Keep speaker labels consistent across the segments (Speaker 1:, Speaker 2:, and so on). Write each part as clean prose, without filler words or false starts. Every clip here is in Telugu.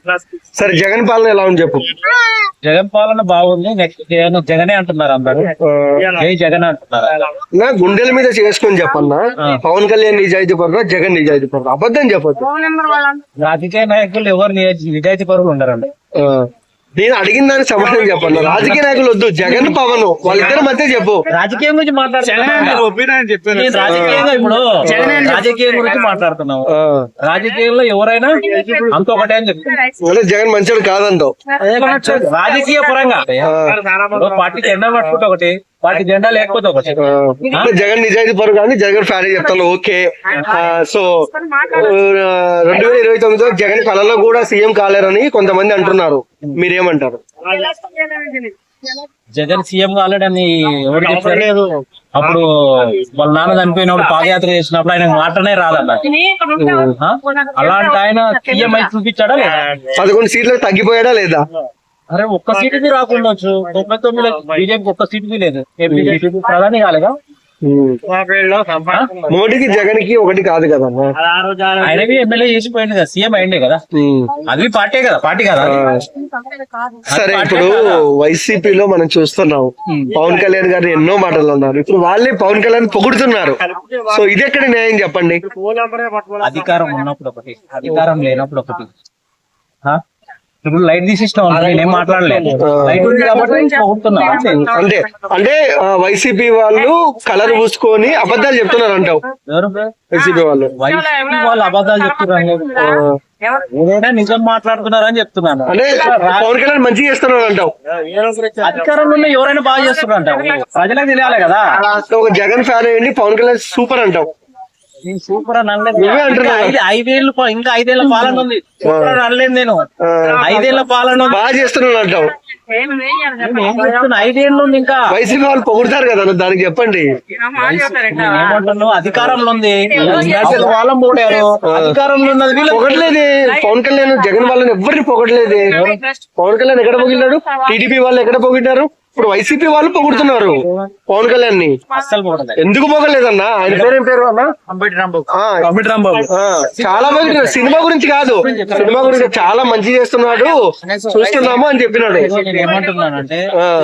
Speaker 1: సరే జగన్ పాలన ఎలా ఉంది చెప్పు.
Speaker 2: జగన్ పాలన బాగుంది. నెక్స్ట్ జగనే అంటున్నారు అందరు. జై జగన్ అంటున్నారు.
Speaker 1: నా గుండెల మీద చేసుకొని చెప్పన్నా, పవన్ కళ్యాణ్ నిజాయితీ పరుడు, జగన్ నిజాయితీ పరుడు? అబద్ధం చెప్పొద్దు.
Speaker 2: రాజకీయ నాయకులు ఎవరు నిజాయితీ పరులు ఉండరండి.
Speaker 1: నేను అడిగిన దానికి సమాధానం చెప్పండి. రాజకీయ నాయకులు వద్దు, జగన్ పవన్ వాళ్ళిద్దరి మధ్య చెప్పు.
Speaker 2: రాజకీయం గురించి రాజకీయం గురించి మాట్లాడుతున్నాము. రాజకీయంలో ఎవరైనా అంత ఒకటే అని చెప్తారు.
Speaker 1: జగన్ మంచోడు కాదంటావు
Speaker 2: రాజకీయ పరంగా. పార్టీ జెండా పట్టుకుంటే ఒకటి, పార్టీ జెండా లేకపోతే ఒకటి.
Speaker 1: జగన్ నిజాయితీ పరుడు కానీ జగన్ ఫ్యాన్ చెప్తాను. ఓకే, సో 2029 జగన్ కళలో కూడా సీఎం కాలేరని కొంతమంది అంటున్నారు, మీరేమంటారు?
Speaker 2: జగన్ సీఎం కాలేడని ఎవరు చెప్పలేదు. అప్పుడు వాళ్ళ నాన్న చనిపోయినప్పుడు పాదయాత్ర చేసినప్పుడు ఆయన మాటనే రాదన్న. అలాంటి ఆయన సీఎం అయితే చూపించాడా లేదా?
Speaker 1: 11 సీట్లకు తగ్గిపోయాడా లేదా?
Speaker 2: అరే ఒక్క సీటుది రాకుండొచ్చు. 99 బీజేపీకి ఒక్క సీటుది లేదు. బీజేపీ ప్రధాని కాలేదా?
Speaker 1: మోడీకి జగన్ కి ఒకటి కాదు కదా.
Speaker 2: ఆయనవి ఎమ్మెల్యే చేసిపోయింది కదా, సీఎం అయిండే కదా. అది పార్టీ కదా, పార్టీ కదా.
Speaker 1: సరే, ఇప్పుడు వైసీపీలో మనం చూస్తున్నాం, పవన్ కళ్యాణ్ గారు ఎన్నో మాటలు అన్నారు. ఇప్పుడు వాళ్ళే పవన్ కళ్యాణ్ పొగుడుతున్నారు. సో ఇది ఎక్కడ న్యాయం చెప్పండి?
Speaker 2: అధికారం ఉన్నప్పుడు ఒకటి, అధికారం లేనప్పుడు ఒకటి. ఇప్పుడు లైట్ తీసిస్తాం, నేనేం మాట్లాడలేదు. లైట్ ఉంది కాబట్టి
Speaker 1: అంటే అంటే వైసీపీ వాళ్ళు కలర్ పూసుకొని అబద్ధాలు చెప్తున్నారు అంటావు? వైసీపీ వాళ్ళు
Speaker 2: అబద్ధాలు చెప్తున్నారు, ఏదైనా నిజం మాట్లాడుతున్నారు అని చెప్తున్నాను.
Speaker 1: అంటే పవన్ కళ్యాణ్ మంచిగా చేస్తున్నారు అంటావు?
Speaker 2: అధికారంలో ఉన్న ఎవరైనా బాగా చేస్తున్నారు అంటావు, ప్రజలకు తెలియాలి కదా.
Speaker 1: ఒక జగన్ ఫ్యాన్ అయ్యండి, పవన్ కళ్యాణ్ సూపర్ అంటావు.
Speaker 2: సూపర్ అని అనలేదు. 5 ఏళ్ళు ఇంకా 5 ఏళ్ల పాలన ఉంది. సూపర్ అని అనలేదు నేను. 5 ఏళ్ల పాలన
Speaker 1: బాగా చేస్తున్నాను అంటావు.
Speaker 2: 5 ఏళ్ళు ఉంది ఇంకా.
Speaker 1: వైసీపీ వాళ్ళు పొగుడతారు కదా, దానికి చెప్పండి.
Speaker 2: ఏమంటున్నావు? అధికారంలో ఉంది, వాళ్ళం పోడారు. అధికారంలో ఉన్నది వీళ్ళు
Speaker 1: పొగట్లేదే. పవన్ కళ్యాణ్ జగన్ వాళ్ళని ఎవరిని పొగట్లేదే. పవన్ కళ్యాణ్ ఎక్కడ పొగిడాడు? టీడీపీ వాళ్ళు ఎక్కడ పొగిడారు? ఇప్పుడు వైసీపీ వాళ్ళు పొగుడుతున్నారు పవన్ కళ్యాణ్ ని. ఎందుకు పొగలేదన్నా? ఆయన పేరేం పేరు అన్నా?
Speaker 2: అంబటి రాంబాబు.
Speaker 1: చాలా బాగా, సినిమా గురించి కాదు, సినిమా గురించి చాలా మంచి చేస్తున్నాడు, చూస్తున్నాము అని చెప్పినాడు.
Speaker 2: ఏమంటున్నానంటే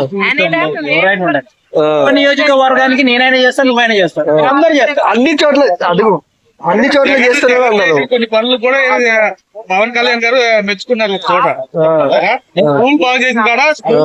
Speaker 2: నియోజకవర్గానికి నేనైనా చేస్తాను, నువ్వైనా చేస్తాను, అందరు చేస్తారు.
Speaker 1: అన్ని చోట్ల అడుగు, అన్ని చోట్ల చేస్తున్నారు అన్నారు.
Speaker 3: కొన్ని పనులు కూడా పవన్ కళ్యాణ్ గారు మెచ్చుకున్నారు. చోట స్కూల్ బాగా చేసిన కాడ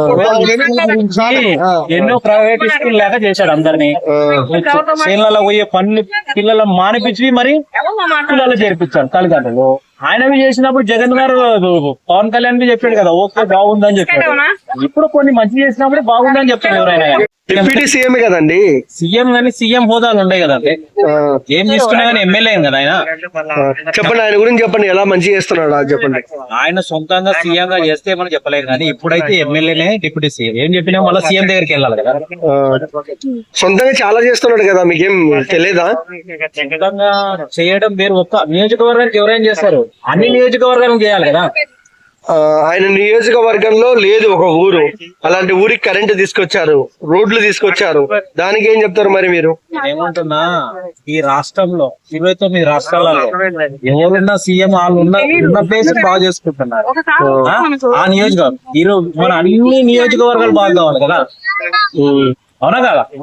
Speaker 2: ఎన్నో ప్రైవేట్ స్కూల్ లేక చేశాడు అందరినీ. చేనులలో పోయే పనులు పిల్లలు మానిపించి మరి పిల్లలు చేర్పించాడు తల్లిదండ్రులు. ఆయనవి చేసినప్పుడు జగన్ గారు పవన్ కళ్యాణ్ కి చెప్పాడు కదా, ఓకే బాగుందని చెప్పాడు. ఇప్పుడు కొన్ని మంచి చేసినప్పుడే బాగుందని చెప్తాడు ఎవరైనా.
Speaker 1: డిప్యూటీ సీఎం కదండి.
Speaker 2: సీఎం కానీ సీఎం హోదాలు ఉండే కదండి. ఏం తీసుకున్నా కానీ ఎమ్మెల్యే కదా ఆయన.
Speaker 1: చెప్పండి, ఆయన గురించి చెప్పండి, ఎలా మంచి చేస్తున్నాడు అది చెప్పండి.
Speaker 2: ఆయన సొంతంగా సీఎం గా చేస్తే మనం చెప్పలేము కానీ ఇప్పుడైతే ఎమ్మెల్యేనే డిప్యూటీ సీఎం. ఏం చెప్పినా మళ్ళీ సీఎం దగ్గరికి వెళ్ళాలి కదా.
Speaker 1: సొంతంగా చాలా చేస్తున్నాడు కదా, మీకేం తెలియదా?
Speaker 2: సొంతంగా చేయడం వేరు. ఒక్క నియోజకవర్గానికి ఎవరైనా చేస్తారు, అన్ని నియోజకవర్గాలకు చేయాలి కదా.
Speaker 1: ఆయన నియోజకవర్గంలో లేదు ఒక ఊరు, అలాంటి ఊరికి కరెంటు తీసుకొచ్చారు, రోడ్లు తీసుకొచ్చారు. దానికి ఏం చెప్తారు మరి మీరు?
Speaker 2: ఏమంటున్నా, ఈ రాష్ట్రంలో 29 రాష్ట్రాలలో ఎవరున్నా సీఎం వాళ్ళు ఉన్న ప్లేస్ బాగా చేసుకుంటున్నారు. ఆ నియోజకవర్గం ఈరోజు మన అన్ని నియోజకవర్గాలు బాగా కావాలి కదా, అవునా కదా?